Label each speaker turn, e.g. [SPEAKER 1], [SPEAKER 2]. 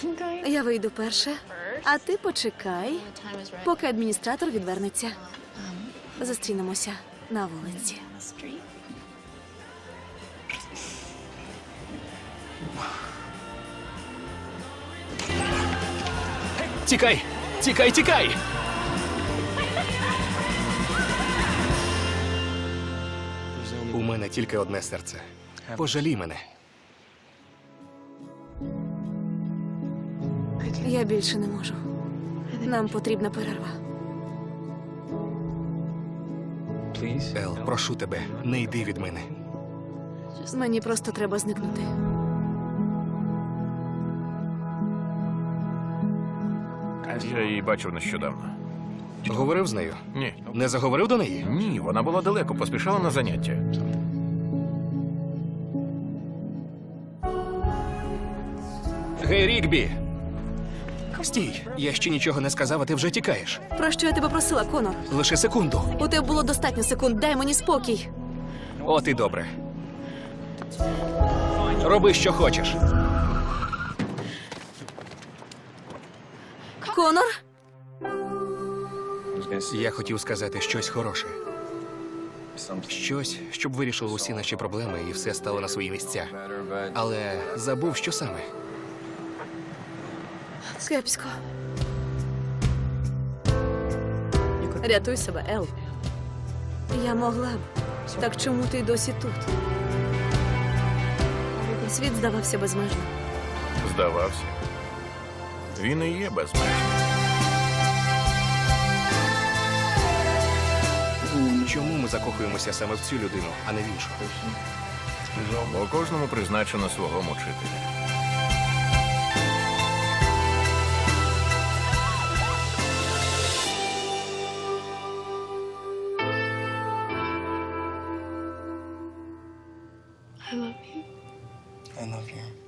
[SPEAKER 1] Я вийду перша, а ти почекай, поки адміністратор відвернеться. Зустрінемося на вулиці.
[SPEAKER 2] Тікай! Тікай, тікай! У мене тільки одне серце. Пожалій мене.
[SPEAKER 1] Я більше не можу. Нам потрібна перерва.
[SPEAKER 2] Ел, прошу тебе, не йди від мене.
[SPEAKER 1] Мені просто треба зникнути.
[SPEAKER 3] Я її бачив нещодавно.
[SPEAKER 2] Говорив з нею?
[SPEAKER 3] Ні.
[SPEAKER 2] Не заговорив до неї?
[SPEAKER 3] Ні, вона була далеко, поспішала на заняття.
[SPEAKER 2] Гей, Рікбі! Стій, я ще нічого не сказав, а ти вже тікаєш.
[SPEAKER 1] Про що я тебе просила, Конор?
[SPEAKER 2] Лише секунду.
[SPEAKER 1] У тебе було достатньо секунд, дай мені спокій.
[SPEAKER 2] От і добре. Роби, що хочеш.
[SPEAKER 1] Конор?
[SPEAKER 2] Я хотів сказати щось хороше. Щось, щоб вирішило усі наші проблеми і все стало на свої місця. Але забув, що саме.
[SPEAKER 1] Кепсько. Рятуй себе, Ел. Я могла б. Так чому ти досі тут? Світ здавався безмежним.
[SPEAKER 3] Здавався. Він і є безмежним.
[SPEAKER 2] Чому ми закохуємося саме в цю людину, а не в іншу?
[SPEAKER 3] Бо кожному призначено свого мучителя.
[SPEAKER 4] I love you.